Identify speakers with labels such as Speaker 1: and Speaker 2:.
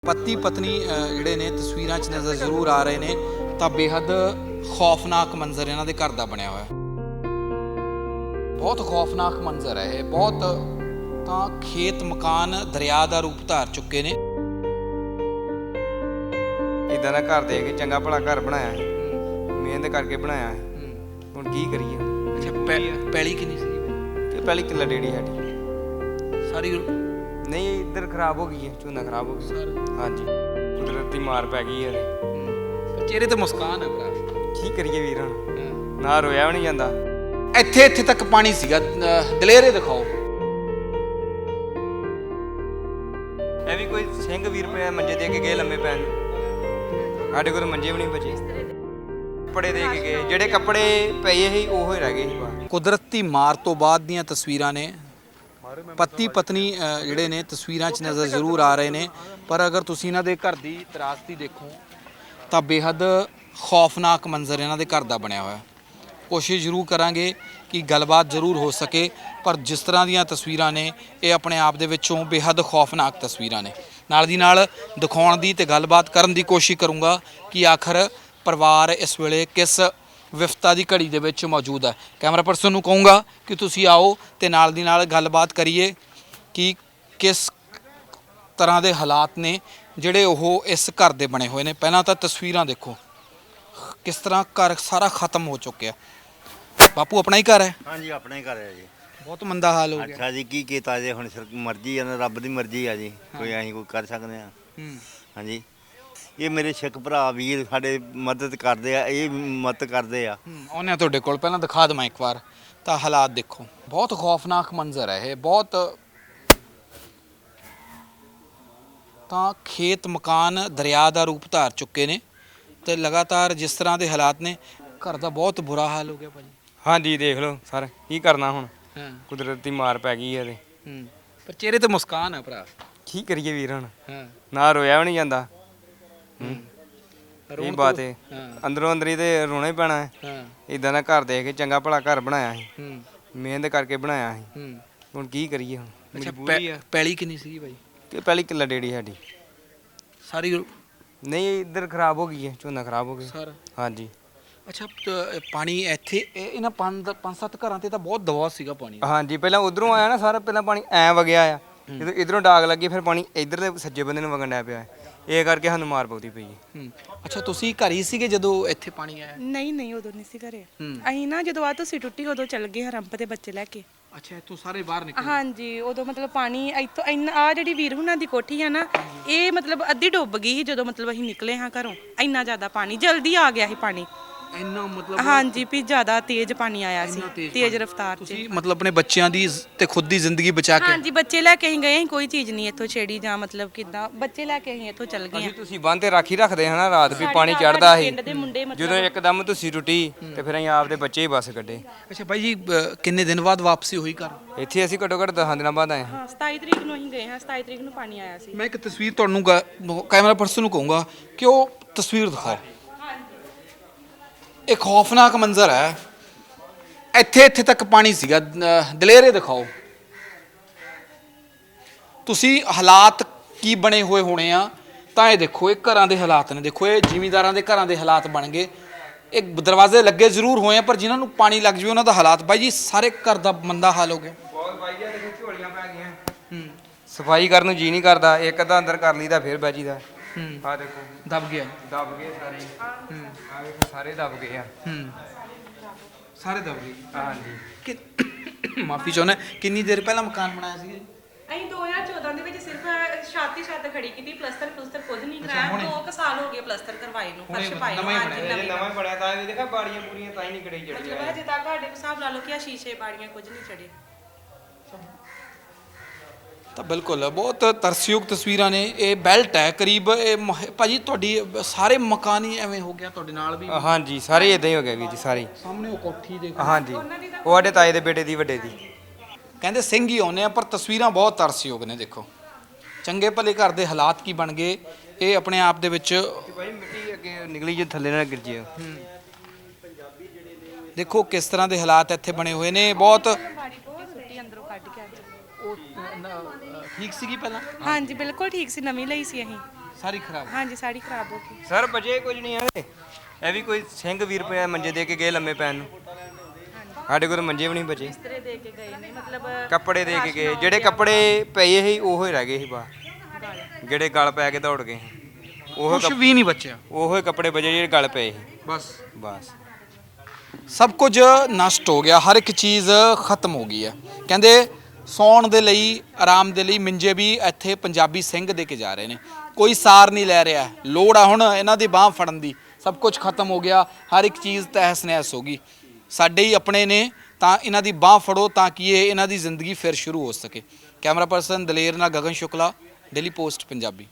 Speaker 1: ਪਤੀ ਪਤਨੀ ਜਿਹੜੇ ਨੇ ਤਸਵੀਰਾਂ 'ਚ ਨਜ਼ਰ ਜ਼ਰੂਰ ਆ ਰਹੇ ਨੇ ਤਾਂ ਬੇहद ਖੌਫਨਾਕ ਮੰਜ਼ਰ ਇਹਨਾਂ ਦੇ ਘਰ ਦਾ ਬਣਿਆ ਹੋਇਆ ਬਹੁਤ ਖੌਫਨਾਕ ਮੰਜ਼ਰ ਹੈ ਇਹ ਬਹੁਤ ਤਾਂ ਖੇਤ ਮਕਾਨ ਦਰਿਆ ਦਾ ਰੂਪ ਧਾਰ ਚੁੱਕੇ ਨੇ
Speaker 2: ਇਦਾਂ ਦਾ ਘਰ ਦੇ ਕੇ ਚੰਗਾ ਭਲਾ ਘਰ ਬਣਾਇਆ ਹੈ ਮਿਹਨਤ ਕਰਕੇ ਬਣਾਇਆ ਹੈ ਹੁਣ ਕੀ ਕਰੀਏ।
Speaker 1: ਅੱਛਾ ਪੈਲੀ ਕਿੰਨੀ ਸੀ
Speaker 2: ਤੇ ਪਹਿਲੀ ਕਿੱਲਾ ਡੇੜੀ ਸਾਡੀ
Speaker 1: ਸਾਰੀ
Speaker 2: ਨਹੀਂ ਇੱਧਰ ਖਰਾਬ ਹੋ ਗਈ ਹੈ ਝੋਨਾ ਖਰਾਬ ਹੋ ਗਿਆ ਹਾਂਜੀ ਕੁਦਰਤੀ ਮਾਰ ਪੈ ਗਈ ਹੈ
Speaker 1: ਚਿਹਰੇ ਤੇ ਮੁਸਕਾਨ ਹੈ ਭਰਾ
Speaker 2: ਕੀ ਕਰੀਏ ਵੀਰ ਹੁਣ ਨਾ ਰੋਇਆ ਵੀ ਨਹੀਂ ਜਾਂਦਾ।
Speaker 1: ਇੱਥੇ ਤੱਕ ਪਾਣੀ ਸੀਗਾ ਦਲੇਰੇ ਦਿਖਾਓ
Speaker 2: ਇਹ ਵੀ ਕੋਈ ਸਿੰਘ ਵੀਰ ਪਿਆ ਮੰਜੇ ਦੇ ਕੇ ਗਏ ਲੰਮੇ ਪੈਣ ਸਾਡੇ ਕੋਲ ਮੰਜੇ ਵੀ ਨਹੀਂ ਬਚੇ ਕੱਪੜੇ ਦੇ ਕੇ ਗਏ ਜਿਹੜੇ ਕੱਪੜੇ ਪਏ ਸੀ ਉਹ ਹੀ ਰਹਿ ਗਏ ਸੀ ਬਾਹਰ।
Speaker 1: ਕੁਦਰਤੀ ਮਾਰ ਤੋਂ ਬਾਅਦ ਦੀਆਂ ਤਸਵੀਰਾਂ ਨੇ ਪਤੀ ਪਤਨੀ ਜਿਹੜੇ ਨੇ ਤਸਵੀਰਾਂ 'ਚ ਨਜ਼ਰ ਜ਼ਰੂਰ ਆ ਰਹੇ ਨੇ ਪਰ ਅਗਰ ਤੁਸੀਂ ਇਹਨਾਂ ਦੇ ਘਰ ਦੀ ਤਰਾਸਦੀ ਦੇਖੋ ਤਾਂ ਬੇहद ਖੌਫਨਾਕ ਮੰਜ਼ਰ ਇਹਨਾਂ ਦੇ ਘਰ ਦਾ ਬਣਿਆ ਹੋਇਆ। ਕੋਸ਼ਿਸ਼ ਜ਼ਰੂਰ ਕਰਾਂਗੇ ਕਿ ਗੱਲਬਾਤ ਜ਼ਰੂਰ ਹੋ ਸਕੇ ਪਰ ਜਿਸ ਤਰ੍ਹਾਂ ਦੀਆਂ ਤਸਵੀਰਾਂ ਨੇ ਇਹ ਆਪਣੇ ਆਪ ਦੇ ਵਿੱਚੋਂ ਬੇहद ਖੌਫਨਾਕ ਤਸਵੀਰਾਂ ਨੇ। ਨਾਲ ਦੀ ਨਾਲ ਦਿਖਾਉਣ ਦੀ ਤੇ ਗੱਲਬਾਤ ਕਰਨ ਦੀ ਕੋਸ਼ਿਸ਼ ਕਰੂੰਗਾ ਕਿ ਆਖਰ ਪਰਿਵਾਰ ਇਸ ਵੇਲੇ ਕਿਸ ਵਿਫਤਾ ਦੀ ਘੜੀ ਦੇ ਵਿੱਚ ਮੌਜੂਦ ਹੈ। ਕੈਮਰਾ ਪਰਸਨ ਨੂੰ ਕਹੂੰਗਾ ਕਿ ਤੁਸੀਂ ਆਓ ਤੇ ਨਾਲ ਦੀ ਨਾਲ ਗੱਲਬਾਤ ਕਰੀਏ ਕਿ ਕਿਸ ਤਰ੍ਹਾਂ ਦੇ ਹਾਲਾਤ ਨੇ ਜਿਹੜੇ ਉਹ ਇਸ ਘਰ ਦੇ ਬਣੇ ਹੋਏ ਨੇ। ਪਹਿਲਾਂ ਤਾਂ ਤਸਵੀਰਾਂ ਦੇਖੋ ਕਿਸ ਤਰ੍ਹਾਂ ਘਰ ਸਾਰਾ ਖਤਮ ਹੋ ਚੁੱਕਿਆ। ਬਾਪੂ ਆਪਣਾ ਹੀ ਘਰ ਹੈ?
Speaker 3: ਹਾਂਜੀ ਆਪਣਾ ਹੀ ਘਰ ਹੈ ਜੀ।
Speaker 1: ਬਹੁਤ ਮੰਦਾ ਹਾਲ ਹੋ ਗਿਆ।
Speaker 3: ਅੱਛਾ ਜੀ ਕੀ ਕੀਤਾ ਜੇ ਹੁਣ ਮਰਜ਼ੀ ਹੈ ਨਾ ਰੱਬ ਦੀ ਮਰਜ਼ੀ ਆ ਜੀ ਕੋਈ ਅਸੀਂ ਕੋਈ ਕਰ ਸਕਦੇ ਆ। ਹਾਂਜੀ ਇਹ ਮੇਰੇ ਸਿੱਖ ਭਰਾ ਵੀਰ ਸਾਡੇ ਮਦਦ ਕਰਦੇ ਆ ਇਹ ਮਦਦ ਕਰਦੇ ਆ।
Speaker 1: ਉਹਨੇ ਤੁਹਾਡੇ ਕੋਲ ਪਹਿਲਾਂ ਦਿਖਾ ਦਵਾਂ ਇੱਕ ਵਾਰ ਤਾਂ ਹਾਲਾਤ ਦੇਖੋ ਬਹੁਤ ਖੌਫਨਾਕ ਮੰਜ਼ਰ ਹੈ ਇਹ ਬਹੁਤ ਤਾਂ ਖੇਤ ਮਕਾਨ ਦਰਿਆ ਦਾ ਰੂਪ ਧਾਰ ਚੁੱਕੇ ਨੇ ਤੇ ਲਗਾਤਾਰ ਜਿਸ ਤਰ੍ਹਾਂ ਦੇ ਹਾਲਾਤ ਨੇ ਘਰ ਦਾ ਬਹੁਤ ਬੁਰਾ ਹਾਲ ਹੋ ਗਿਆ ਭਾਜੀ।
Speaker 2: ਹਾਂਜੀ ਦੇਖ ਲਓ ਸਰ ਕੀ ਕਰਨਾ ਹੁਣ ਕੁਦਰਤੀ ਮਾਰ ਪੈ ਗਈ ਹੈ
Speaker 1: ਪਰ ਚਿਹਰੇ ਤੇ ਮੁਸਕਾਨ ਹੈ ਭਰਾ
Speaker 2: ਕੀ ਕਰੀਏ ਵੀਰ ਹੁਣ ਨਾ ਰੋਇਆ ਵੀ ਨਹੀਂ ਜਾਂਦਾ। ਇਹ ਬਾਤ ਹੈ ਅੰਦਰੋਂ ਅੰਦਰੀ ਤੇ ਰੋਣਾ ਹੀ ਪੈਣਾ ਹੈ। ਇਦਾਂ ਦਾ ਘਰ ਦੇ ਕੇ ਚੰਗਾ ਭਲਾ ਘਰ ਬਣਾਇਆ ਸੀ ਮਿਹਨਤ ਕਰਕੇ ਬਣਾਇਆ ਸੀ ਹੁਣ ਕੀ ਕਰੀਏ ਹੁਣ ਮਜਬੂਰੀ ਆ।
Speaker 1: ਪੈਲੀ ਕਿੰਨੀ ਸੀ ਭਾਈ?
Speaker 2: ਤੇ ਪਹਿਲੀ ਕਿੱਲਾ ਡੇੜੀ ਸਾਡੀ
Speaker 1: ਸਾਰੀ
Speaker 2: ਨਹੀਂ ਇੱਧਰ ਖਰਾਬ ਹੋ ਗਈ ਹੈ ਝੋਨਾ ਖਰਾਬ ਹੋ ਗਿਆ
Speaker 1: ਸਾਰਾ
Speaker 2: ਹਾਂਜੀ।
Speaker 1: ਅੱਛਾ ਪਾਣੀ ਇੱਥੇ ਇਹਨਾਂ ਪੰਜ ਸੱਤ ਘਰਾਂ ਤੇ ਤਾਂ ਬਹੁਤ ਦਬਾਅ ਸੀਗਾ ਪਾਣੀ ਦਾ।
Speaker 2: ਹਾਂਜੀ ਪਹਿਲਾਂ ਉਧਰੋਂ ਆਇਆ ਨਾ ਸਾਰਾ ਪਹਿਲਾਂ ਪਾਣੀ ਐ ਵਗਿਆ ਆ ਜਦੋਂ ਇਧਰੋਂ ਡਾਗ ਲੱਗੀ ਫਿਰ ਪਾਣੀ ਇੱਧਰ ਦੇ ਸੱਜੇ ਬੰਦੇ ਨੂੰ ਵਗਣ ਲੱਗ ਪਿਆ ਇਹ ਕਰਕੇ ਸਾਨੂੰ ਮਾਰ ਪਉਦੀ ਪਈ ਹੈ।
Speaker 1: ਅੱਛਾ ਤੁਸੀਂ ਘਰ ਹੀ ਸੀਗੇ ਜਦੋਂ ਇੱਥੇ ਪਾਣੀ ਆਇਆ?
Speaker 4: ਨਹੀਂ ਉਦੋਂ ਨਹੀਂ ਸੀ ਘਰੇ। ਅਸੀਂ ਨਾ ਜਦੋਂ ਆ ਤੁਸੀਂ ਟੁੱਟੀ ਉਦੋਂ ਚੱਲ ਗਏ ਹਰੰਪ ਦੇ ਬੱਚੇ ਲੈ ਕੇ।
Speaker 1: ਅੱਛਾ ਇੱਥੋਂ ਸਾਰੇ ਬਾਹਰ ਨਿਕਲੇ?
Speaker 4: ਹਾਂਜੀ ਉਦੋਂ ਮਤਲਬ ਪਾਣੀ ਇੱਥੋਂ ਇੰਨਾ ਆ ਜਿਹੜੀ ਵੀਰ ਹੁਣਾਂ ਦੀ ਕੋਠੀ ਆ ਨਾ ਇਹ ਮਤਲਬ ਅੱਧੀ ਡੁੱਬ ਗਈ ਸੀ ਜਦੋਂ ਮਤਲਬ ਅਸੀਂ ਨਿਕਲੇ ਹਾਂ ਘਰੋਂ। ਇੰਨਾ ਜ਼ਿਆਦਾ ਪਾਣੀ ਜਲਦੀ ਆ ਗਿਆ ਸੀ ਪਾਣੀ
Speaker 1: ਇੰਨਾ ਮਤਲਬ
Speaker 4: ਹਾਂਜੀ ਵੀ ਜ਼ਿਆਦਾ ਤੇਜ਼ ਪਾਣੀ ਆਇਆ ਸੀ ਤੇਜ਼ ਰਫ਼ਤਾਰ 'ਚ।
Speaker 1: ਤੁਸੀਂ ਮਤਲਬ ਆਪਣੇ ਬੱਚਿਆਂ ਦੀ ਤੇ ਖੁਦ ਦੀ ਜ਼ਿੰਦਗੀ ਬਚਾ ਕੇ?
Speaker 4: ਹਾਂਜੀ ਬੱਚੇ ਲੈ ਕੇ ਅਸੀਂ ਗਏ ਅਸੀਂ ਕੋਈ ਚੀਜ਼ ਨਹੀਂ ਇੱਥੋਂ ਛੇੜੀ ਜਾਂ ਮਤਲਬ ਕਿੱਦਾਂ ਬੱਚੇ ਲੈ ਕੇ ਅਸੀਂ ਇੱਥੋਂ ਚੱਲ ਗਏ ਹਾਂ।
Speaker 2: ਤੁਸੀਂ ਬੰਨ ਤੇ ਰਾਖੀ ਰੱਖਦੇ ਹਨਾ ਰਾਤ ਵੀ ਪਾਣੀ ਚੜਦਾ ਸੀ
Speaker 4: ਪਿੰਡ ਦੇ ਮੁੰਡੇ ਮਤਲਬ
Speaker 2: ਜਦੋਂ ਇੱਕਦਮ ਤੁਸੀਂ ਟੁੱਟੀ ਤੇ ਫਿਰ ਅਸੀਂ ਆਪਦੇ ਬੱਚੇ ਹੀ ਬਸ ਕੱਢੇ।
Speaker 1: ਅੱਛਾ ਬਾਈ ਜੀ ਕਿੰਨੇ ਦਿਨ ਬਾਅਦ ਵਾਪਸੀ ਹੋਈ ਘਰ?
Speaker 2: ਇੱਥੇ ਅਸੀਂ ਘੱਟੋ ਘੱਟ 10 ਦਿਨਾਂ ਬਾਅਦ ਆਏ ਹਾਂ।
Speaker 4: ਹਾਂ 27 ਤਰੀਕ ਨੂੰ ਅਸੀਂ ਗਏ ਹਾਂ 27 ਤਰੀਕ ਨੂੰ ਪਾਣੀ ਆਇਆ ਸੀ।
Speaker 1: ਮੈਂ ਇੱਕ ਤਸਵੀਰ ਤੁਹਾਨੂੰ ਕੈਮਰਾ ਪਰਸਨ ਨੂੰ ਕਹੂੰਗਾ ਕਿ ਉਹ ਤਸਵੀਰ ਦਿਖਾਓ। ਇਹ ਖੌਫਨਾਕ ਮੰਜ਼ਰ ਹੈ ਇੱਥੇ ਤੱਕ ਪਾਣੀ ਸੀਗਾ ਦਲੇਰੇ ਦਿਖਾਓ ਤੁਸੀਂ ਹਾਲਾਤ ਕੀ ਬਣੇ ਹੋਏ ਹੋਣੇ ਆ ਤਾਂ ਇਹ ਦੇਖੋ ਇਹ ਘਰਾਂ ਦੇ ਹਾਲਾਤ ਨੇ। ਦੇਖੋ ਇਹ ਜ਼ਿਮੀਂਦਾਰਾਂ ਦੇ ਘਰਾਂ ਦੇ ਹਾਲਾਤ ਬਣ ਗਏ। ਇਹ ਦਰਵਾਜ਼ੇ ਲੱਗੇ ਜ਼ਰੂਰ ਹੋਏ ਆ ਪਰ ਜਿਨ੍ਹਾਂ ਨੂੰ ਪਾਣੀ ਲੱਗ ਜਾਵੇ ਉਹਨਾਂ ਦਾ ਹਾਲਾਤ ਬਾਈ ਜੀ ਸਾਰੇ ਘਰ ਦਾ ਮੰਦਾ ਹਾਲ ਹੋ ਗਿਆ।
Speaker 2: ਬਹੁਤ ਬਾਈ ਆ ਦੇਖੋ ਝੋਲੀਆਂ ਪੈ ਗਈਆਂ ਸਫਾਈ ਕਰਨ ਨੂੰ ਜੀ ਨਹੀਂ ਕਰਦਾ ਇੱਕ ਅੱਧਾ ਅੰਦਰ ਕਰ ਲਈਦਾ ਫਿਰ ਬਹਿ ਜੀਦਾ। ਆ ਦੇਖੋ
Speaker 1: ਦਬ ਗਿਆ
Speaker 2: ਦਬ ਗਏ ਸਾਰੇ ਆ ਵੇਖੋ ਸਾਰੇ ਦਬ ਗਏ ਆ
Speaker 1: ਸਾਰੇ ਦਬ ਗਏ।
Speaker 2: ਹਾਂਜੀ
Speaker 1: ਮਾਫੀ ਚਾਹੁੰਦਾ ਕਿੰਨੀ ਦੇਰ ਪਹਿਲਾਂ ਮਕਾਨ ਬਣਾਇਆ ਸੀ?
Speaker 4: ਅਸੀਂ 2014 ਦੇ ਵਿੱਚ ਸਿਰਫ ਛੱਤ ਖੜੀ ਕੀਤੀ ਪਲਸਤਰ ਕੁਝ ਨਹੀਂ ਕਰਾਇਆ 2 ਸਾਲ ਹੋ ਗਏ ਪਲਸਤਰ ਕਰਵਾਏ ਨੂੰ ਫਰਸ਼ ਪਾਏ ਨੂੰ। ਹਾਂਜੀ
Speaker 2: ਨਵਾਂ ਹੀ ਬਣਿਆ ਤਾਂ ਇਹ ਦੇਖਾ ਬਾੜੀਆਂ ਪੂਰੀਆਂ ਤਾਂ ਹੀ ਨਹੀਂ ਕੜਾਈ ਚੜੀ
Speaker 4: ਮਤਲਬ ਹਜੇ ਤੱਕ ਸਾਡੇ ਹਿਸਾਬ ਲਾ ਲਓ ਕਿ ਆ ਸ਼ੀਸ਼ੇ ਬਾੜੀਆਂ ਕੁਝ ਨਹੀਂ ਚੜੇ।
Speaker 1: ਤਾਂ ਬਿਲਕੁਲ ਬਹੁਤ ਤਰਸਯੋਗ ਤਸਵੀਰਾਂ ਨੇ। ਇਹ ਬੈਲਟ ਹੈ ਕਰੀਬ ਇਹ ਭਾਜੀ ਤੁਹਾਡੀ ਸਾਰੇ ਮਕਾਨ ਹੀ ਐਵੇਂ ਹੋ ਗਿਆ ਤੁਹਾਡੇ ਨਾਲ ਵੀ?
Speaker 2: ਹਾਂਜੀ ਸਾਰੇ ਇਦਾਂ ਹੀ ਹੋ ਗਿਆ ਵੀਰ ਜੀ ਸਾਰੇ
Speaker 1: ਸਾਹਮਣੇ ਉਹ ਕੋਠੀ ਦੇ
Speaker 2: ਹਾਂਜੀ ਉਹ ਸਾਡੇ ਤਾਏ ਦੇ ਬੇਟੇ ਦੀ ਵੱਡੇ ਦੀ
Speaker 1: ਕਹਿੰਦੇ ਸਿੰਘ ਹੀ ਆਉਂਦੇ ਆ ਪਰ ਤਸਵੀਰਾਂ ਬਹੁਤ ਤਰਸਯੋਗ ਨੇ। ਦੇਖੋ ਚੰਗੇ ਭਲੇ ਘਰ ਦੇ ਹਾਲਾਤ ਕੀ ਬਣ ਗਏ ਇਹ ਆਪਣੇ ਆਪ ਦੇ ਵਿੱਚ।
Speaker 2: ਭਾਈ ਮਿੱਟੀ ਅੱਗੇ ਨਿਕਲੀ ਜੇ ਥੱਲੇ ਨਾ ਗਿਰ ਜੇ।
Speaker 1: ਦੇਖੋ ਕਿਸ ਤਰ੍ਹਾਂ ਦੇ ਹਾਲਾਤ ਇੱਥੇ ਬਣੇ ਹੋਏ ਨੇ। ਬਹੁਤ
Speaker 4: ਅੰਦਰੋਂ ਕੱਢ ਕੇ
Speaker 1: ਉਹ ਠੀਕ ਸੀਗੀ ਪਹਿਲਾਂ?
Speaker 4: ਹਾਂਜੀ ਬਿਲਕੁਲ ਠੀਕ ਸੀ ਨਵੀਂ ਲਈ ਸੀ ਅਸੀਂ।
Speaker 1: ਸਾਰੀ ਖਰਾਬ
Speaker 4: ਹਾਂਜੀ ਸਾੜੀ ਖਰਾਬ ਹੋ ਗਈ।
Speaker 2: ਸਰ ਬਚੇ ਕੁਝ ਨਹੀਂ ਆਲੇ, ਇਹ ਵੀ ਕੋਈ ਸਿੰਘ ਵੀਰ ਪਏ ਮੰਜੇ ਦੇ ਕੇ ਗਏ ਲੰਮੇ ਪੈਣ ਨੂੰ, ਸਾਡੇ ਕੋਲ ਮੰਜੇ ਵੀ ਨਹੀਂ ਬਚੇ।
Speaker 4: ਬਿਸਤਰੇ ਦੇ ਕੇ ਗਏ ਨੇ ਮਤਲਬ
Speaker 2: ਕੱਪੜੇ ਦੇ ਕੇ ਗਏ, ਜਿਹੜੇ ਕੱਪੜੇ ਪਏ ਸੀ ਉਹੋ ਹੀ ਰਹਿ ਗਏ ਸੀ ਬਾਹਰ, ਜਿਹੜੇ ਗਲ ਪੈ ਕੇ ਦੌੜ ਗਏ ਉਹ
Speaker 1: ਕੁਝ ਵੀ ਨਹੀਂ ਬਚਿਆ,
Speaker 2: ਉਹੋ ਹੀ ਕੱਪੜੇ ਬਚੇ ਜਿਹੜੇ ਗਲ ਪਏ ਸੀ
Speaker 1: ਬਸ
Speaker 2: ਬਸ।
Speaker 1: ਸਭ ਕੁਝ ਨਸ਼ਟ ਹੋ ਗਿਆ, ਹਰ ਇੱਕ ਚੀਜ਼ ਖਤਮ ਹੋ ਗਈ ਹੈ। ਕਹਿੰਦੇ ਸੌਣ ਦੇ ਲਈ, ਆਰਾਮ ਦੇ ਲਈ ਮੰਜੇ ਵੀ ਇੱਥੇ ਪੰਜਾਬੀ ਸਿੰਘ ਦੇ ਕੇ ਜਾ ਰਹੇ ਨੇ, ਕੋਈ ਸਾਰ ਨਹੀਂ ਲੈ ਰਿਹਾ। ਲੋੜ ਆ ਹੁਣ ਇਹਨਾਂ ਦੀ ਬਾਹ ਫੜਨ ਦੀ। ਸਭ ਕੁਝ ਖਤਮ ਹੋ ਗਿਆ, ਹਰ ਇੱਕ ਚੀਜ਼ ਤਹਿਸ ਨਹਿਸ ਹੋ ਗਈ। ਸਾਡੇ ਹੀ ਆਪਣੇ ਨੇ ਤਾਂ ਇਹਨਾਂ ਦੀ ਬਾਹ ਫੜੋ ਤਾਂ ਕਿ ਇਹ ਇਹਨਾਂ ਦੀ ਜ਼ਿੰਦਗੀ ਫਿਰ ਸ਼ੁਰੂ ਹੋ ਸਕੇ। ਕੈਮਰਾ ਪਰਸਨ ਦਲੇਰ ਨਾਲ ਗਗਨ ਸ਼ੁਕਲਾ, ਡੇਲੀ ਪੋਸਟ ਪੰਜਾਬੀ।